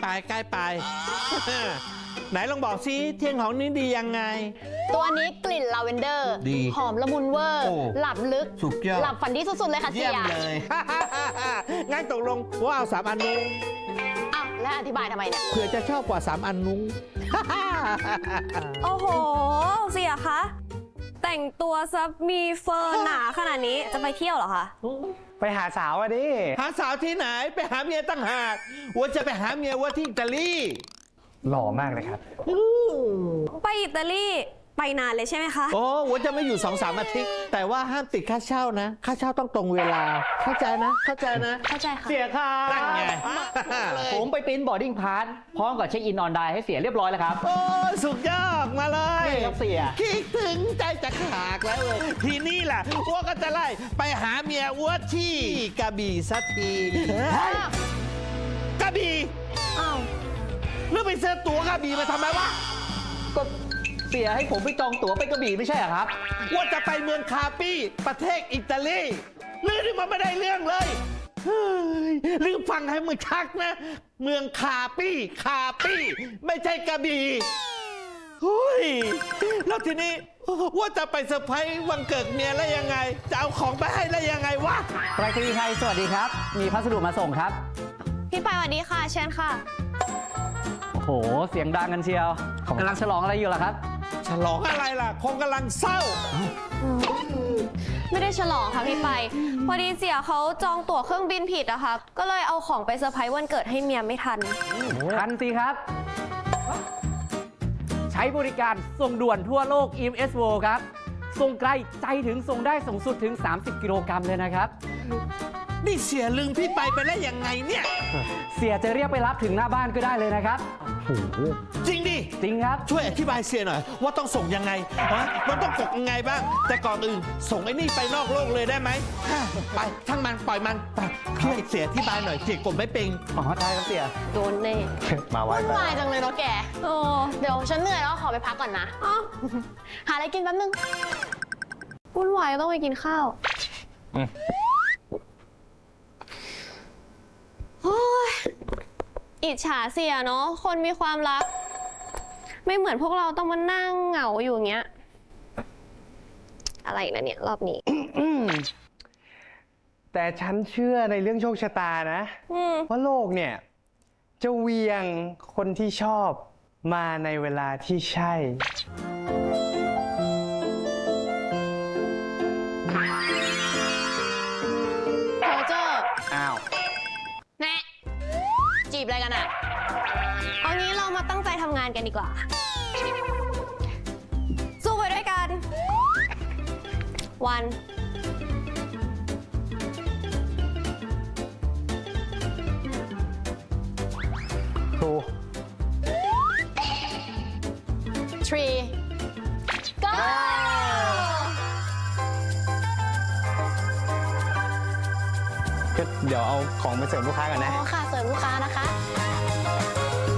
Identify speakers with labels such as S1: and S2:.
S1: ไปใกล้ไป ไหนลองบอกซิเที่ยงของนี้ดียังไง
S2: ตัวนี้กลิ่นลาเวนเดอร์
S1: ดี
S2: หอมละมุนเวอร์
S1: โอ้
S2: หลับลึก
S1: สุดยอด
S2: หลับฝันดีสุดๆเลยค่ะเสี
S1: เยี่ย
S2: ย
S1: มเลย งั้นตกลงว่าเอา3 อันนู้น
S2: อ้าวแล้วอธิบายทำไมเนี่ย
S1: เผื่อจะชอบกว่า3 อันนู้น
S3: โอ้โห เสียคะ แต่งตัวซะมีเฟอร์หนาขนาดนี้จะไปเที่ยวเหรอคะ
S4: ไปหาสาวอะดิ
S1: หาสาวที่ไหนไปหาเมียตั้งหากว่าจะไปหาเมียว่าที่อิตาลี
S4: หล่อมากเลยครับ
S3: ไปอิตาลีไปนานเลยใช่ไหมคะ
S1: โอ้ว่าจะไม่อยู่2-3 อาทิตย์ แต่ว่าห้ามติดค่าเช่านะ ค่าเช่าต้องตรงเวลา เข้าใจนะ เข้าใจนะ
S2: เข้าใจค่ะ
S4: เสียค่ะ
S1: นั่นไง
S5: ผมไปปริ้นบอร์ดิ้งพาสพร้อมกับเช็คอินออนไลน์ให้เสียเรียบร้อยแล้วครับ
S1: โอ้สุดยอดมาเลย
S5: นี่ครับเสีย
S1: คิดถึงใจจะขาดแล้วเลยทีนี้แหละอ้วก็จะไล่ไปหาเมียอ้วที่กระบี่สักทีกระบี่
S2: อ้าว
S1: หรือไปซื้อตั๋วกระบี่มาทำไมวะ
S5: ก็เสียให้ผมไปจองตั๋วไปกระบี่ไม่ใช่เหรอครับ
S1: ว่าจะไปเมืองคาปี้ประเทศอิตาลีเรื่องนี้มันไม่ได้เรื่องเลยเฮ้ยลืมฟังให้มึงชักนะ เมืองคาปี้ไม่ใช่กระบี่เฮ้ยแล้วทีนี้ว่าจะไปเซอร์ไพรส์วันเกิดเมียแล้วยังไง จะเอาของไปให้แล้วยังไงวะ
S5: ไปรษณีย์ไทยสวัสดีครับ มีพัสดุมาส่งครับ
S2: พี่ปายสวัสดีค่ะเชิญค่ะ
S5: โอ้โห เสียงดังกันเชียวกำลังฉลองอะไรอยู่ล่ะครับ
S1: ฉลองอะไรล่ะ คงกำลังเศร้า
S3: ไม่ได้ฉลองค่ะพี่ไป พอดีเสียเขาจองตั๋วเครื่องบินผิดอะค่ะ ก็เลยเอาของไปเซอร์ไพรส์วันเกิดให้เมียไม่ทัน
S5: ทันสิครับ ใช้บริการส่งด่วนทั่วโลก EMS World ครับ ส่งไกลใจถึงส่งได้สูงสุดถึง 30 กิโลกรัมเลยนะครับ
S1: นี่เสียลืมพี่ไปแล้วยังไงเนี่ย
S5: เสียจะเรียกไปรับถึงหน้าบ้านก็ได้เลยนะครับ
S1: จริงดิ
S5: จริงครับ
S1: ช่วยอธิบายเสียหน่อย ว่าต้องส่งยังไงฮะมันต้องกดยังไงบ้าง แต่ก่อนอื่นส่งไอ้นี่ไปนอกโลกเลยได้ไหมไปทั้งมันปล่อยมันไปช่วยเสียอธิบายหน่อยเสียกดไม่เป็น
S5: อ๋อได้ครับเสีย
S3: โดนแน่
S4: มาไว้
S2: วุ่นวายจังเลยเนาะแก
S3: โอ้
S2: เดี๋ยวฉันเหนื่อยแล้วขอไปพักก่อนนะ
S3: อ้าว
S2: หาอะไรกินแป๊บนึง
S3: วุ่นวายก็ต้องไปกินข้าวโอ้ยอิจฉาเสียเนาะ คนมีความรัก ไม่เหมือนพวกเราต้องมานั่งเหงาอยู่อย่างเงี้ย อะไรนะเนี่ย รอบนี้
S4: แต่ฉันเชื่อในเรื่องโชคชะตานะ ว่าโลกเนี่ย จะเวียงคนที่ชอบมาในเวลาที่ใช่
S2: โรเจอร์
S4: อ้าว
S2: แน่จีบอะไรกันอะ
S3: เอางี้เรามาตั้งใจทำงานกันดีกว่า สู้ไปด้วยกัน วัน
S4: ครู
S2: 3 go
S4: ก็เดี๋ยวเอาของไปเสริมลูกค้ากัน
S2: อ๋
S4: นะ
S2: อค่ะเสริมลูกค้านะคะ